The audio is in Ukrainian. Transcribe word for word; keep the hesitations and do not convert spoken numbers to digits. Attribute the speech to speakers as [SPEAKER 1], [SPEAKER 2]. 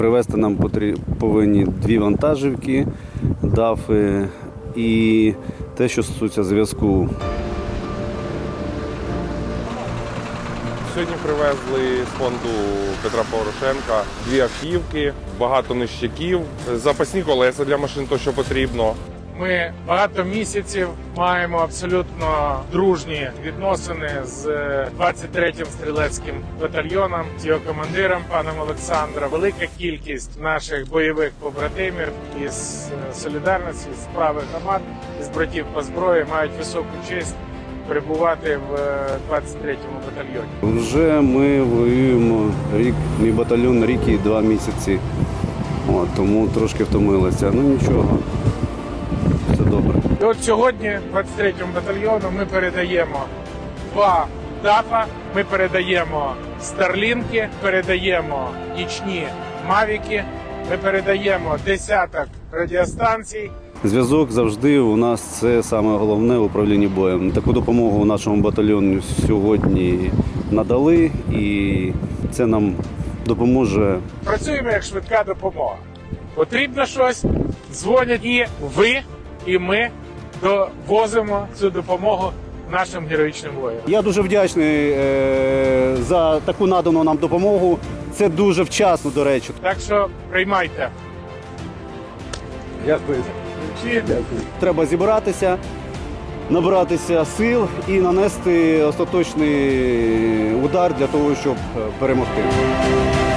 [SPEAKER 1] Привезти нам повинні дві вантажівки, дафи і те, що стосується зв'язку.
[SPEAKER 2] Сьогодні привезли з фонду Петра Порошенка дві автівки, багато нищаків, запасні колеса для машин, то що потрібно.
[SPEAKER 3] Ми багато місяців маємо абсолютно дружні відносини з двадцять третім стрілецьким батальйоном, з його командиром паном Олександром. Велика кількість наших бойових побратимів із солідарності, з правих громад, із братів по зброї мають високу честь перебувати в двадцять третьому батальйоні.
[SPEAKER 1] Вже ми воюємо рік, мій батальйон рік і два місяці, От, тому трошки втомилися. Ну нічого, все добре.
[SPEAKER 3] І от сьогодні двадцять третьому батальйону ми передаємо два дафа, ми передаємо старлінки, передаємо нічні мавіки, ми передаємо десяток радіостанцій.
[SPEAKER 1] Зв'язок завжди у нас це саме головне в управлінні боєм. Таку допомогу нашому батальйону сьогодні надали, і це нам допоможе.
[SPEAKER 3] Працюємо як швидка допомога. Потрібно щось, дзвонять і ви, і ми довозимо цю допомогу нашим героїчним воїнам.
[SPEAKER 1] Я дуже вдячний е, за таку надану нам допомогу. Це дуже вчасно, до речі.
[SPEAKER 3] Так що приймайте.
[SPEAKER 1] Дякую. Треба зібратися, набратися сил і нанести остаточний удар для того, щоб перемогти.